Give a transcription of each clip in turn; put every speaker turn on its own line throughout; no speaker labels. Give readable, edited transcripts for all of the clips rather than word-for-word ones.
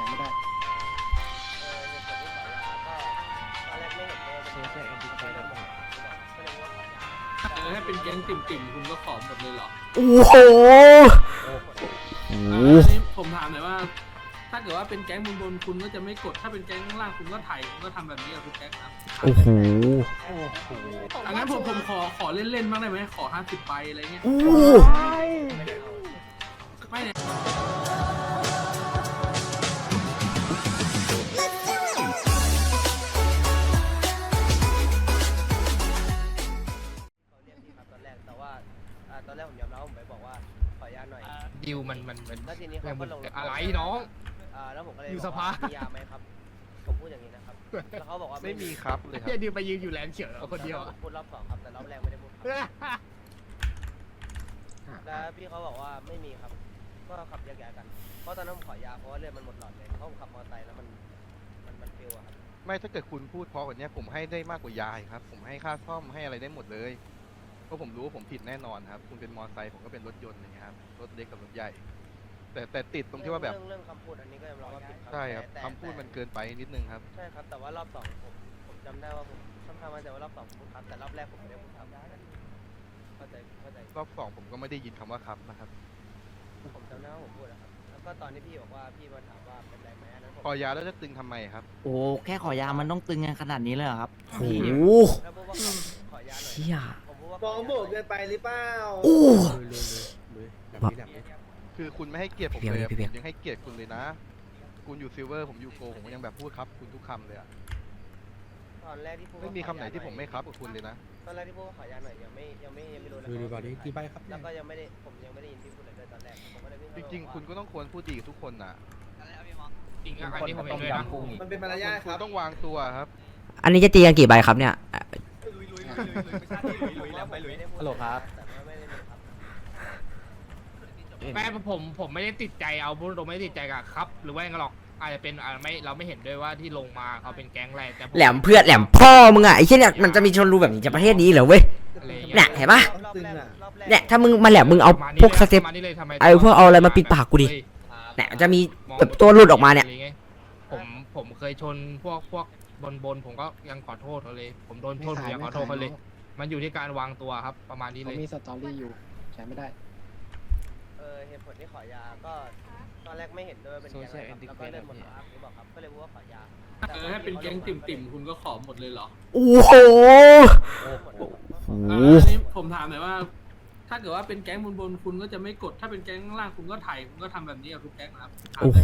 ไม่ได้
ถ้าเป็นแก๊งติ่มๆคุณก็ขอหมดเลยเหรอ
โอ้โห
อันนี้ผมถามหน่อยว่า ถ้าเกิดว่าเป็นแก๊งบนคุณก็จะไม่กด ถ้าเป็นแก๊งล่างคุณก็ถ่ายคุณก็ทำแบบนี้กับทุกแก๊งนะ
โอ้โห
อังั้นผมขอเล่นๆบ้างได้ไหมขอ50 ใบอะไรเงี้ย
โอ้
ไม่เนี่ย
ตอนแรกผมยอมรับผมไปบอกว่าขออนุญาตหน่อย
ดิวมัน
แล้วทีนี้เขาก็ลง
อะไรน้อง
แล้วผมก็เลย
อยู่
บอก
สภา
ว่ามียาไหมครับผมพูดอย่างนี้นะครับแล้วเขาบอกว่า
ไม่มีครับเลยครับ
เฮียดิวไปยืนอยู่แลนด์เขียวคนเดียว
ผมพูดรอบสองครับแต่รอบแรกไม่ได้พูดครับแล้วพี่เขาบอกว่าไม่มีครับก็ขับแยกย้ายกันเพราะตอนนั้นผมขอยาเพราะว่าเลือดมันหมดหลอดเลยเพราะผมขับมอเตอร์ไซค์แล้วมันฟิวอะครับ
ไม่ถ้าเกิดคุณพูดเพราะกว่านี้ผมให้ได้มากกว่ายายครับ ผมให้ค่าซ่อมให้อะไรได้หมดเลยเพราะผมรู้ว่าผมผิดแน่นอนครับ คุณเป็นมอเตอร์ไซค์ผมก็เป็นรถยนต์อย่างเงี้ยครับรถเล็กกับรถใหญ่ แต่ติดตรงที่ว่าแบบ
เรื่องคำพูดอันนี้ก็ยอมรับว่าผิดครับ
ใช่ครับ
แต่
คำพูดมันเกินไปนิดนึงครับ
ใช่ครับแต่ว่ารอบสองผมจำได้ว่าผมค่อนข้างมั่นใจว่ารอบสองผมพูดครับแต่รอบแรกผมไม่ได้พูดครับเข้าใจ
รอบสองผมก็ไม่ได้ยินคำว่าครับนะครับ
ผมจำได้ว่าผมพูดนะครับแล้วก็ตอนที่พี่บอกว่าพี่มาถามว่าเป็นไรไหมอันนั้นผม
พอยาแล้วจะตึงทำไมครับ
โอ้แค่ขอยามันต้องตึงกันขนาดนี้เลยเหรอครับโอ้โห
แล้วพูดว่าขอยาหน่อย
เชี่ย
ผมพูดว่า
ฟ้องโบกเกินไปหรือเปล่า
โอ้
คือคุณไม่ให้เกียรติผม
พี่
เลย
เบียร์
ผมยังให้เกียรติคุณเลยนะ คุณอยู่ซิลเวอร์ผมอยู่โกผมก็ยังแบบพูดครับคุณทุกคำเลยอะ
ตอนแรกที่พูด
ไม่มีคำไหนที่ผมไม่ครับกับคุณเลยนะ
ตอนแรกที่พูดว่าขอยาหน่อยยังไม่รู้เลย
ดูก่อนดิกี่ใบครับ
แล้วก็ยังไม่ได้ผมยังไม่ได้ยินพี่พูดเลยด้วยตอนแรกผมก็เลยวิ่ง
จ
เข้าไป
ริง
บอก
ๆ
ว่า
คุณก็ต้องควรพูดดีกับทุกคนนะ
จริงอ่ะอันนี้ผมเห็นด้วยนะ
มันเป็นมารยาทค
คุณ
รับ
ต้องวางตัวครับ
อันนี้จะตีกันกี่ใบครับเนี่ย
ฮัลโหลครับแต่ว่าไม่ได้มีครับ
แม่ผมไม่ได้ติดใจเอาพูดตรงไม่ได้ติดใจกับครับ หรือว่าอย่างนั้นหรอกอาจจะเป็นไม่เราไม่เห็นด้วยว่าที่ลงมาเขาเป็นแก๊งอะไรแต่
แหลมเพื่อนแหลมพ่อมึงอ่ะไอ้เชี่ยเนี่ยมันจะมีชนรูแบบนี้จากประเทศนี้เหรอเว้ย
อะไรอย่าง
เนี่
เงี้
ยเห็นปะ
รอบแรกรอบแรก
เนี่ยถ้ามึงมาแหลมมึงเอาพวกสเต็ป
มานี่เลยทำไม
ไอ้พวกเอาอะไรมาปิดปากกูดิ เนี่ยจะมีแบบตัวหลุดออกมาเนี่ย
ผมเคยชนพวกบนผมก็ยังขอโทษเขาเลย ผมโดนชนผมยังขอโทษเขาเลย มันอยู่ที่การวางตัวครับประมาณนี้เล
เขา
ย
มีสตอรี่อยู่ใช้ไม่ได้
เหตุผลที่ขอยาก็ตอนแรกไม่เห็นด้วยเป็นยังไงครับแล้วก็เริ่มหมดแล้วที่บอกครับก็เลยพูดว่าขอยา
ถ้าเป็นแก๊งติ่มๆคุณก็ขอหมดเลยเหรอ
โอ้โห
อันนี้ผมถามหน่อยว่า ถ้าเกิดว่าเป็นแก๊งบนคุณก็จะไม่กด ถ้าเป็นแก๊งล่างคุณก็ถ่ายคุณก็ทำแบบนี้กับทุกแก๊งนะครับ
โอ้โห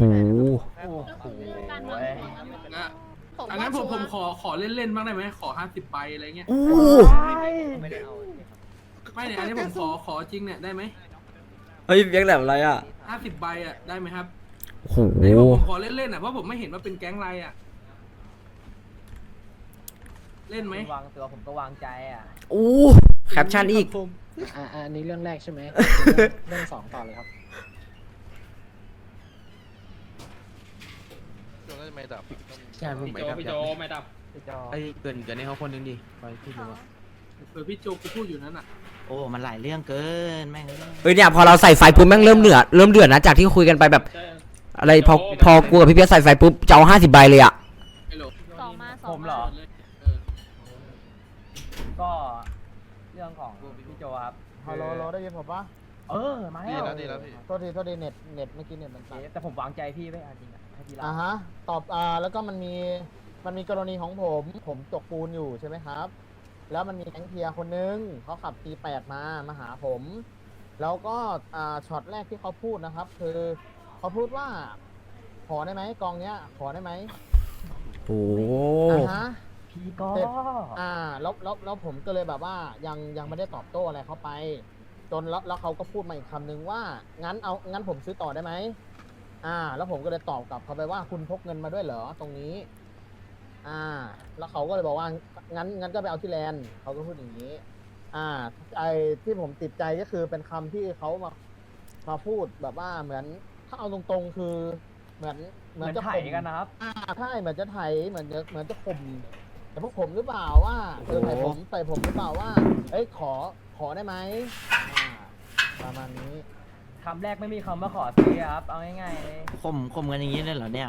นะอังั้นผมขอเล่นๆบ้างได้ไหมขอ50 ใบอะไรเงี้ย
โอ้
ไม่ได้เอา
ไม่เนี่ยอันนี้ผมขอจริงเนี่ยได้ไหม
เฮ้ยเบียงแหลมอะไรอ่ะ
50 ใบอ่ะได้ไหมครับ
โอ้โห
ไหนบอกผมขอเล่นๆอ่ะเพราะผมไม่เห็นว่าเป็นแก๊งอะไรอ่ะเล่นไหม
วางตัวผมก็วางใจอ่ะ
โอ้แคปชั่นอีก
อันนี้เรื่องแรกใช่ไหม เรื่องสองต่อเลยครับ
จนแล้วจะไม่ดับ
ใช่ผม
พี่
ไม่
โจ
ดับ
พี่โจไม่ดับ
ไอ้เกินให้เขาคนนึงดิไปพี่ดูว่า
พี่โจกูพูดอยู่นั้นอ่ะ
โอ้มันหลายเรื่องเกินแม่งเฮ้ยเนี่ยพอเราใส่ไฟปุ๊บแม่งเริ่มเดือดนะจากที่คุยกันไปแบบ อะไรพอกูกับพี่เพียรใส่ไฟปุ๊บจะเอา50 ใบเลยอ่ะ
ไอ้โหล
ผมเหรอ
เออ
ก็เรื่องของพี่โจครับ
ฮัลโหลได้ยินผมปะ
มา
ดี
แล้ว
แล้วดีแล้วพี่
โทษทีเน็ตเมื่อกี้เน็ตมันตัด
แต่ผมวางใจพี่ไว้จริงอ่ะให้พี่รับ
ฮะตอบแล้วก็มันมีกรณีของผมตกปูนอยู่ใช่ไหมครับ แล้วมันมีแก๊งเทียร์คนนึงเขาขับ T8 มาหาผม แล้วก็ช็อตแรกที่เขาพูดนะครับ คือเขาพูดว่า ขอได้ไหมกองเนี้ย ขอได้ไหม
โอ้
ฮะ
พี่ก็
แล้วผมก็เลยแบบว่ายังไม่ได้ตอบโต้อะไรเขาไป จนแล้วเขาก็พูดมาอีกคำนึงว่างั้นผมซื้อต่อได้ไหมแล้วผมก็เลยตอบกลับเขาไปว่าคุณพกเงินมาด้วยเหรอตรงนี้แล้วเขาก็เลยบอกว่างั้นก็ไปเอาที่แลนด์เขาก็พูดอย่างนี้ไอ้ที่ผมติดใจก็คือเป็นคำที่เขามาพูดแบบว่าเหมือนถ้าเอาตรงๆคือเหมือนจะไถกันนะครับใช่เหมือนจะไถเหมือนจะข่มแต่พวกผมหรือเปล่าว่าใส่ผมหรือเปล่าว่าเอ้ยขอได้ไหมประมาณนี้
คำแรกไม่มีคำว่าขอซื้อครับเอาง่ายๆเลย
ข่มกันอย่างนี้เลยเหรอเนี่ย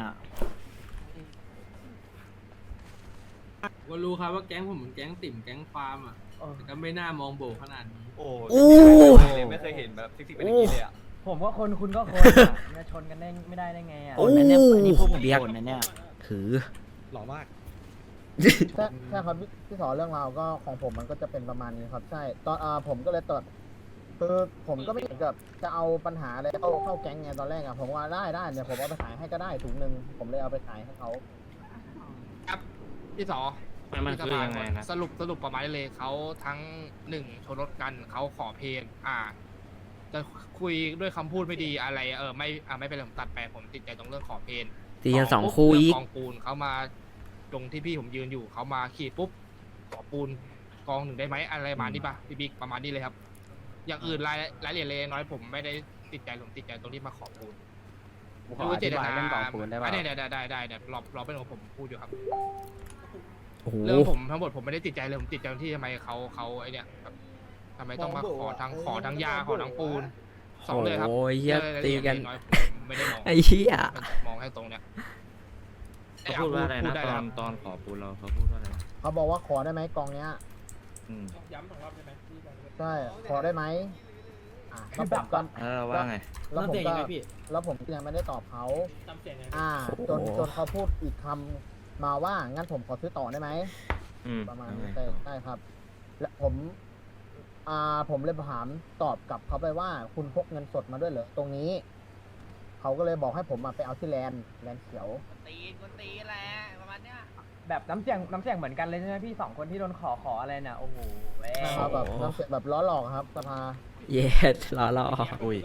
ผมก็รู้ครับว่าแก๊งผมเหมือนแก๊งติ่มแก๊งฟาร์มอ่ะแต่ก็ไม่น่ามองโบขนาดนี้
อู้
ไม่เคยเห็นแบบซิกเป็นอย่างนี้เลยอ่ะ
ผมก็คนคุณก็คนอะจะชนกันได้ไม่ได้ไงอ่ะ
โอ้
อันนี้พวกผม
เบียก
โดนนะเนี่ย
ถือ
หล่อมาก
ใช่ครับพี่สอนเรื่องราวก็ของผมมันก็จะเป็นประมาณนี้ครับใช่ตอนผมก็เลยตดคือผมก็ไม่เห็นกับจะเอาปัญหาอะไรเข้าแก๊งไงตอนแรกอะผมว่าได้เนี่ยผมเอาไปขายให้ก็ได้ถุงหนึ่งผมเลยเอาไปขายให้เขา
ครับพี่สอ
มันคือยังไงนะ
สรุปประมาณนี้เลยเขาทั้งหนึ่งชนรถกันเขาขอเพลงจะคุยด้วยคำพูดไม่ดีอะไรไม่เป็นไรผมตัดไปผมติดใจตรงเรื่องขอเพลง
ตีกันสองคู่อีก
กองปูนเขามาตรงที่พี่ผมยืนอยู่เขามาขี่ปุ๊บขอปูนกองหนึ่งได้ไหมอะไรประมาณนี้ปะพี่บิ๊กประมาณนี้เลยครับ อย่างอื่นรายละเอียดเล็กน้อยผมไม่ได้ติดใจผมติดใจตรงที่มาขอปูน
ขออธิบายเรื่องกองปูนได้ป่ะ
ได้เดี๋ยวรอเป็นของผมพูดอยู่ครับ
โอ้โห
เรื่องผมทั้งหมดผมไม่ได้ติดใจเลยผมติดใจที่ทำไมเขาไอเนี่ยแบบทำไมต้องมาขอทั้งยาขอทั้งปูนสองเลยครับ
โอ้ยเหี้ย
รื่อง
ตีกัน
รายละเอียดน้อยผมไม่ได้มอง
ไอ้เหี้ย
มองแค่ตรงเนี้ย
เขาพูดว่าอะไรนะ
ด้
ต
ค
อ
รั
น
บ
ตอนขอปูนเราเขาพูดว่าอะไร
เขาบอกว่าขอได้ไหมกองเนี้ย
อืม
ย้ำสองรอบได้ไหม
ใช่ขอได้ไหมแล้วผมก็
ว่าไง
แล้วผมก็ยังไม่ได้ตอบเขา
จำเสียงไง
จนเขาพูดอีกคำมาว่างั้นผมขอซื้อต่อได้ไหม
อืม
ประมาณนี้ได้ครับ และผมเลยถามตอบกลับเขาไปว่าคุณพกเงินสดมาด้วยเหรอตรงนี้ เขาก็เลยบอกให้ผมไปเอาที่แลนด์เขียว
ตีแหละประมาณเนี้ย
แบบน้ำเสียงเหมือนกันเลยใช่ไหมพี่สองคนที่โดนขออะไรเนี่ยโอ้โหแม่
นะครับแบบน้ำเสียงแบบล้อหลอกครับสภา
เย็ดล้อล้อ
อุ้ย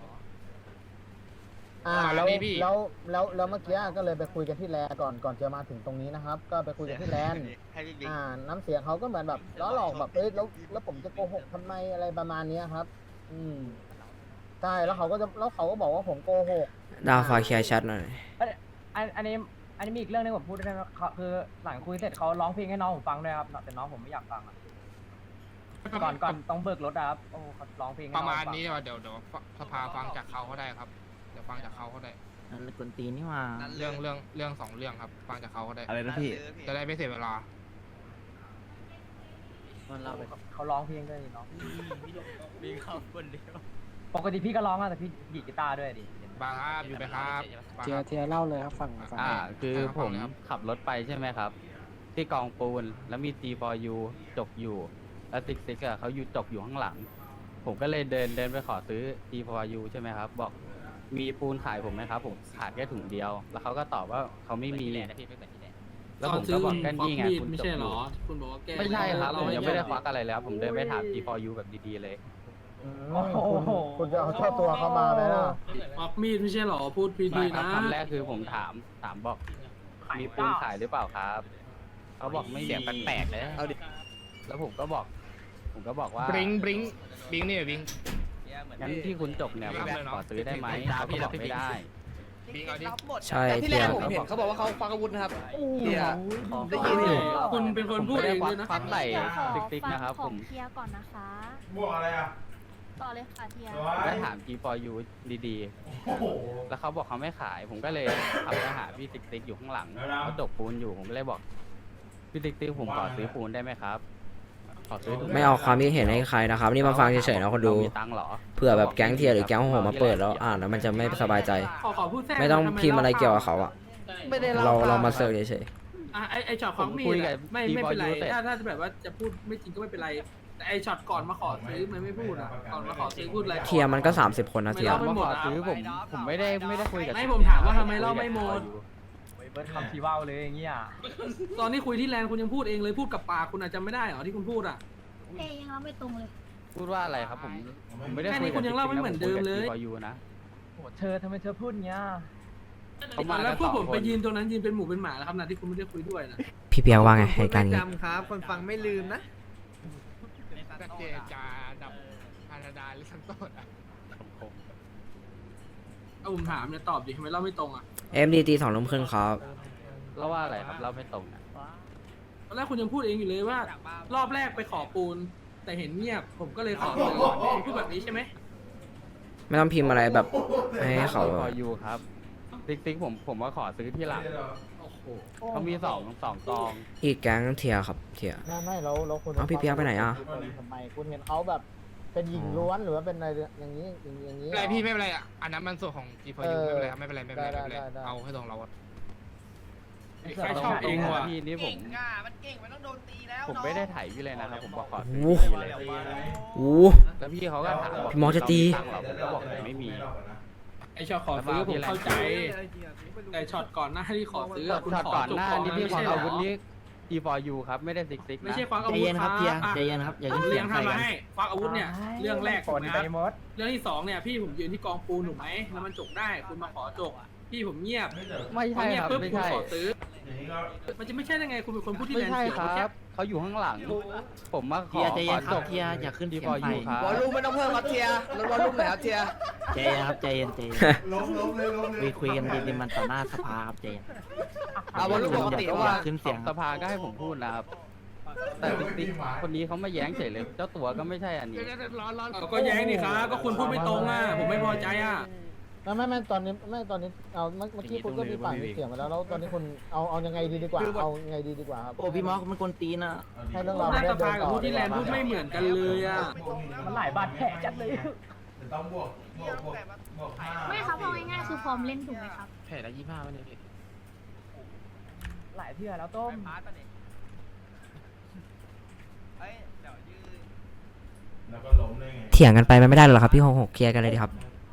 แล้วเมื่อกี้ก็เลยไปคุยกันที่แลนด์ก่อนจะมาถึงตรงนี้นะครับ ก็ไปคุยกันที่แลนด์น้ำเสียงเขาก็เหมือนแบบล้อหลอกแบบแล้วผมจะโกหกทำไมอะไรประมาณนี้ครับ ใช่แล้วเขาก็บอกว่าผมโกหก
ดาวฟ้าเคลียร์ชัดหน่อย
อันนี้มีอีกเรื่องนึงผมพูดได้ไหมคือหลังคุยเสร็จเขาร้องเพลงให้น้องผมฟังด้วยครับแต่น้องผมไม่อยากฟังอะก่อนต้องเบิกรถอะครับโอ้เขาร้องเพลงให้
ป
น้อง
ระมาณ
ฟัง
นี้เดี๋ยวสภาฟังจากเขาก็ได้ครับเดี๋ยวฟังจากเขาก็ได้
นั่นกวนตีนนี่ว่า
เรื่องสองเรื่องครับ ฟังจากเขาก็ได้
อะไรนะพี่
จะได้ไม่เสียเวลา
มันเล่าไป
เขาร้องเพลงด้วยนี่น้อง
มีเขาคนเดียว
ปกติพี่ก็ร้องอะแต่พี่ดีดกีตาร์ด้วยดิ
บางครับอยู่ไหมครับบางครับ
เทียเล่าเลยครับฟัง
คือ
ครับ
ผม
ครับ
ขับรถไปใช่ไหมครับ ที่กองปูนแล้วมี G4U จกอยู่ แล้วติ๊กอะเขาอยู่จกอยู่ข้างหลัง ผมก็เลยเดินไปขอซื้อ G4U ใช่ไหมครับ บอกมีปูนขายผมไหมครับ ผมขาดแค่ถุงเดียว แล้วเขาก็ตอบว่าเขาไม่มีแล้วผมก็บอกกันนี่ไงคุณ
ไม่
จก
ใช่
อ
เหรอยู่ ที่คุณบอกว่าแก้
ไม่ใช่ครับผมยังไม่ได้ค
ควั
วักอะไรเลยครับผมเดินไปถาม G4U แบบดีๆเลย
คุณจะเอาเจ้าตัวเข้ามาไหมล่ะ
ควักมีดไม่ใช่เหรอพูดพี
ไม่
ดี
ครับ
นะ
คำแรกคือผมถามบอกมีปูนขายหรือเปล่าครับเขาบอกไม่มี
เสียงแปลกๆเลย
แล้วผมก็บอกว่า
บริงนี่บริง
งั้นที่คุณจบเนี่ย
ไม่
ผม
ได้เนอะ
ขอซื้อได้ไหมเขาก็บอกไม่ได้
บริงเอาดิ
ใช่
ที่
เที
แร
ย
กผมเห็นเขาบอกว่าเขาควักอาวุธนะครับเนี่ยได้ยินอยู่
คุณเป็นคนพูด
ไม่
เอ
ได้
ง
ควั
ด้วยนะ
ควักไหล่
เดี๋ยวขอ
ติ๊กๆนะครับ
ข
ผ
อ
ม
เคลียร์ก่อนนะคะ
บวกอะไรอ่ะ
ต่อเลยค่ะเทีย
ก็ถาม G4U ดีๆ แล้วเขาบอกเขาไม่ขาย ผมก็เลยขับไปหาพี่ติ๊กอยู่ข้างหลังเขาจกปูนอยู่ผมก็เลยบอกพี่ติ๊กผมขอซื้อปูนได้ไหมครับขอซื้อถุง
ไม่เอาความคิดเห็นให้ใครนะครับ นี่มาฟังเฉยๆนะคนดู
เรามีตังค์เหรอ
เผื่อแบบแก๊งเทียร์หรือแก๊งของผมมาเปิดแล้วอ่านแล้วมันจะไม่สบายใจ
ขอพูดแทรก
ไม่ต้องพิมพ์อะไรเกี่ยวกับเขาอะ
ไม่ได้
เรามาเสิร์ฟเฉย
ไอช็อตควักมี
ผมคุ
ด
ยกับ
อะไม่เป็นไร
T4U
ถ้าจะแบบว่าจะพูดไม่จริงก็ไม่เป็นไรแต่ไอช็อตก่อนมาขอซื้อมันไม่พูดอ่ะก่อนมาขอซื้อพูดอะไร
ๆเทียร์มันก็30 คนนะเทียร์
ไม่
มา
หม
ข
ด
อ
อะ
ซื้อผมไม่ได้คุยกับ
ไม่ผมถามว่าทำไมเล่าไม่หมด
เบิร์ดคำชีว่าวเลยอย่างเงี้ย
ตอนที่คุยที่แลนด์คุณยังพูดเองเลยพูดกับปากคุณอาจจะไม่ได้เหรอที่คุณพูดอ่ะ
เอ้ยยังรับไม่ตรงเลย
พูดว่าอะไรครับผมไม่ได้
แค่
คุ
นี้
ย
คุณยังเล่าไม่เหมือนเดิมเลย
พอยูนะ
โหเธอทำไมเธอพูดอย่างเงี้ย
เขามา
แล้วพวกผม
2 คน
ไปยืนตรงนั้นยืนเป็นหมูเป็นหมาแล้วครับนะที่คุณไม่ได้คุยด้วยนะ
พี่เปียกว่าไงเหตุการณ์นี้
จำครับ คนฟังไม่ลืมนะ
ก็เจจาดับพานาดาหรือสันโตดอะ
เอาผมถามเนี่ยตอบดิทำไมเล่าไม่ตรงอ่ะ
MDT 2 ทุ่มครึ่งครับ
เราว่าอะไรครับเราไม่ตรงนะ
ตอนแรกคุณยังพูดเองอยู่เลยว่า รอบแรกไปขอปูน แต่เห็นเงียบผมก็เลยขอเลยคุณพูดแบบนี้ใช่ไหม
ไม่ต้องพิมพ์อะไรแบบให้เขา
พออยู่ครับติ๊กผมว่าขอซื้อที่หลังเขามีสองกอง
อีกแก๊งเทียครับเทีย
ไม่เราคุณ
เอาพี่เปียกไปไหนอะ
ทำไมคุณเห็นเขาแบบเป็นหญิงล้วนหรือว่าเป็นอะไรอย่างนี้อย่างนี้
ไม่เป็นไรพี่ไม่เป็นไรอ่ะอันนั้นมันส่วนของ G4U ไม่เป็นไรครับไม่เป็นไร
ได้
เอาให้ตรงเราอะ
ใครชอบเองว่ะ
พี่นี่ผม
มันเก่งมันต้องโดนตีแล้ว
ผมไม่ได้ถ่ายพี่เลยนะครับผมบอกขอ
โอ้
ซื้อ
โห
ที่เลย
โอ้โห
แล้วพี่เขาก็ถามว่า
พี่มอสจะตี
ตังค์เหรอผมก็บอกไม่มี
ไอช็อตขอซื้อผมเข้าใจ แต่ช็อตก่อนหน้าที่ขอซื้ออะคุณ
ช็อต
ขอ
ก่อน
จบ
หน้า
ก่อน
นี่
นะ
พี่
ไม่
ขอ
ใช่เหร
อาวุธ
อ
นี้ G4U ครับไม่ได้ซิก
ไม่
นะ
ใช่ควักอา
ใจ
วุธ
เย็นครับเทียใจเย็นครับอย่าขึ้น
เลี้
เสี
ย
ย
ง
งใส่
ทำมา
กัน
ให้ควักอาวุธเนี่ย เรื่องแรก
ฝ
ถูก
น
ไหมค
ไป
รับ
หมด
เรื่องที่สองเนี่ยพี่ผมยืนที่กองปูนถูกไหมแล้วมันจกได้คุณมาขอจกพี่ผมเงียบ
ไม่
พอ
ใช่
เงียบ
ครับ
ปุ๊บ
ไม่
คุณ
ใช่
ขอซื้อ มันจะไม่ใช่ได้ไงคุณเป็นคนพูดที่
ไม่
แรง
ใช่
เสียว
ค
เมื่อกี้
รับเขาอยู่ข้างหลัง ผมมาข
เที
อย
ใจ
ข
เย็
อน
ครั
จ
บบ เทียอย่าขึ้นเสียงใส่
G4U ครับ
วอลลุ่มไม่ต้องเพิ่มครับเทียร์ลดวอลลุ่มหน่อยครับเทียร์
ใจเย็นครับใจเย็นใจเย็นคุยกันดีๆมันต่อหน้าสภาครับใจเย็น
เอาวอลลุ่มปกติ
อย่า
ว่า
ขึ้นเสียงค
ส
รับ
ภาก็ให้ผมพูดนะครับ แต่ติ๊กคนนี้เขามาแย้งเฉยเลยเจ้าตัวก็ไม่ใช่อันนี้
ก็แย้งนี่ครับก็คุณพูดไม่ตรงอ่ะผมไม่พอใจอ่ะ
ไม่ตอนนี้เอาเมื่อกี้คุณก็มีปากมีเสียงมาแล้วตอนนี้คุณเอายังไงดีกว่าเอายังไงดีกว่าครับ
โอ้พี่มอสมันกวนตีนนะ
ให้เรื่องราว
ห
มัน
น้า
ได้
ส
เดิ
ภาน กับ
ต่อ
พูดที่แรงพูดไม่เหมือนกันเลยอ่ะ
มันหลายบาดแผลจัดเลย
ไม่ครับเอาง่ายๆคือพร้อมเล่นถูกไหมครับ
แผลละ25วันนี้พี่
หลายเทื่อแล้วต้ม
เถียงกันไปมันไม่ได้หรอกครับพี่หกเคลียร์กันเลยดีครับ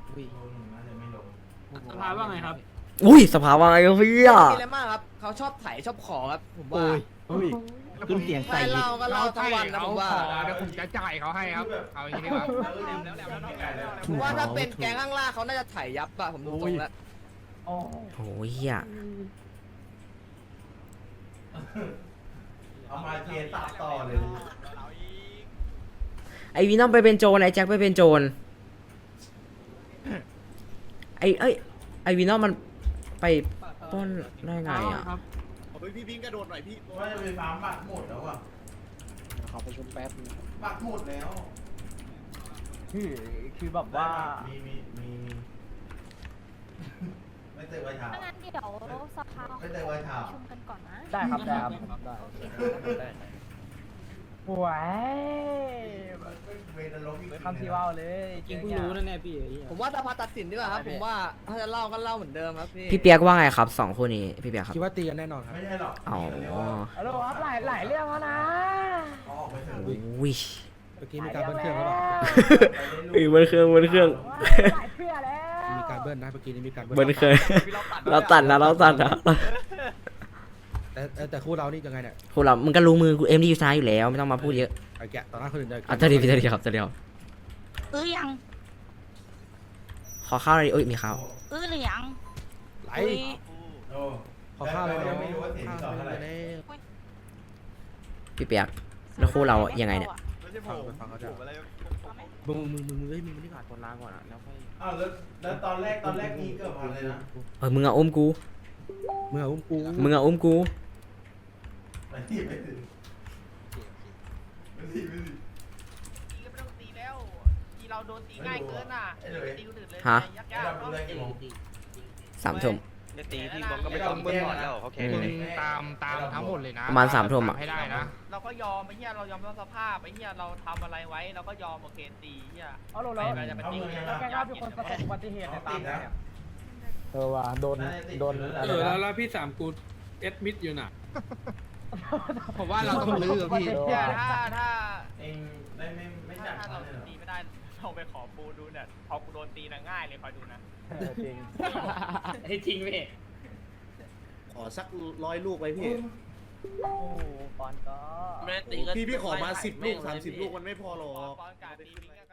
สภาว่าไงครับ
อุ้ยสภาวะไงครับพี่อะ
มีอะไรมากครับเขาชอบไถชอบขอครับผมว่า
ขึ้นเสียงใส่
ไม่
อีก
เล่าก็เล่าทั้งวันนะผมว่า
เดี๋ยวผมจะจ่ายเขาให้ครับเอาอย่างนี้ดีกว่า
ผมว่าถ้าเป็นแก๊งข้างล่างเขาน่าจะไถยับอะผมดูตรงแล้ว
โอ้
โอ้ยเหี้ย
เอามาเทตัดต่อเลย
ไอวีนอมไปเป็นโจรไอแจ็คไปเป็นโจรไอวีนอมมันไปปล้นได้ไงอ่ะ
ครับ
พี่พิงกระโดดหน่อยพี่ว่าจะไปฟาร์มบัตรหมดแล้วอ่ะ
ขอประชุมแป๊บนึง
บัตรหมดแล้ว
คือแบบว่า
มีไม่เจอไว้เท้า
ถ้างั้นเดี๋ยวสภา
ไม่ได้ไว้ถาม
ประชุมกันก่อนนะ
ได้ครับได้ครับ
ได้
หวย
เวทลงอีก
คำที่ว่าวเลย
จริงเพิ่งรู้นะเนี่ยพี่
ผมว่าสภาตัดสินดีกว่าครับผมว่าถ้าจะเล่าก็เล่าเหมือนเดิมครับพี่
พี่เปียกว่าไงครับสองคู่นี้พี่เปียกครับ
คิดว่าตีกันแน่นอนครับ
ไม่ใช่หรอก
อ๋อ
ฮัลโหลครับหลายเรื่องแล้วนะ
เขาออกไปเถอะ
อุ้ย
เมื่อกี้มีการเบิ้ลเครื่องหรือเปล่า
บนเครื่อง
หลายเทื่อแล้ว
มีการเบิ้ลนะเมื่อกี้นี้มีการ
บนเครื่องเราตัดนะ
แต่คู่เรานี่ยังไงเนี่ย
คู่เรามึงก็รู้มือกูเอ็มดีอยู่ซ้ายอยู่แล้วไม่ต้องมาพูดเยอะ
ไอ้แกะต่อหน้าคนอื่นเลย
อ่ะจะดีครับจะดีครับ
ยัง
ขอข้าวหน่อยดิเอ้ยมีข้าว
หรือยัง
ไหล
โอ้
ขอข้าวเลย
แล้วไม่รู้ว่าเสียงที่ต่อเท่าไหร่
พี่เปียกแล้วคู่เรายังไงเนี่ย
ฟังเขาจะมึงไม่ได้ผ่านตัวล้างก่อนอ่ะแล้วค่อย
อ้าวแล้วตอนแรกนี่เกือบพันเลยนะ
มึงอะอุ้มกู
มึงเอาอุ้มกู
มึงอะอุ้มกู
ไปที่ไม่ถึงไม่ถึง
ไม่ต้องตีแล้วทีเราโดนตีง่ายเกินอ่ะตีคนอื่นเลย
ฮะ
ยาก
ไอ้ดำดูได้กี่โมง
3 ทุ่ม
จะตีพี่บอลก็ไม่ต้องเบิ้ลก่อนแล้วเขาแค่
มึงตามทั้งหมดเลยนะ
ประมาณ3 ทุ่มอะ
ให้ได้นะ
เราก็ยอมไอ้เหี้ยเรายอมรับสภาพไอ้เหี้ยเราทำอะไรไว้เราก็ยอมโอเคตีเหี้ย
เอาโหลแล้ว
ไปจะไปตี
แล้วแกก็เป็นคนประสบอุบัติเหตุในตามเนี่ย
ว่าโดนอะไรนะ
แล้วพี่สามกูเอดมิดอยู่น่ะ
ผมว่าเราต้องลื้อพี่
เหี้ยถ้า
เองได้ไม่จัด
ถ้า
เขา
เรา
เลยเหรอ
ตีไม่ได้เราไปขอปูดูเนี่ยพอกูโดนตีนะง่ายเลยคอยดูนะ
จริง
จริงพี่
ขอสัก100 ลูกไว้พี่
โอ้ปอนก็
ไม่ได้ตีก็
พี่ขอมา10 ลูก 30 ลูกมันไม่พอหรอก
ปอนการตี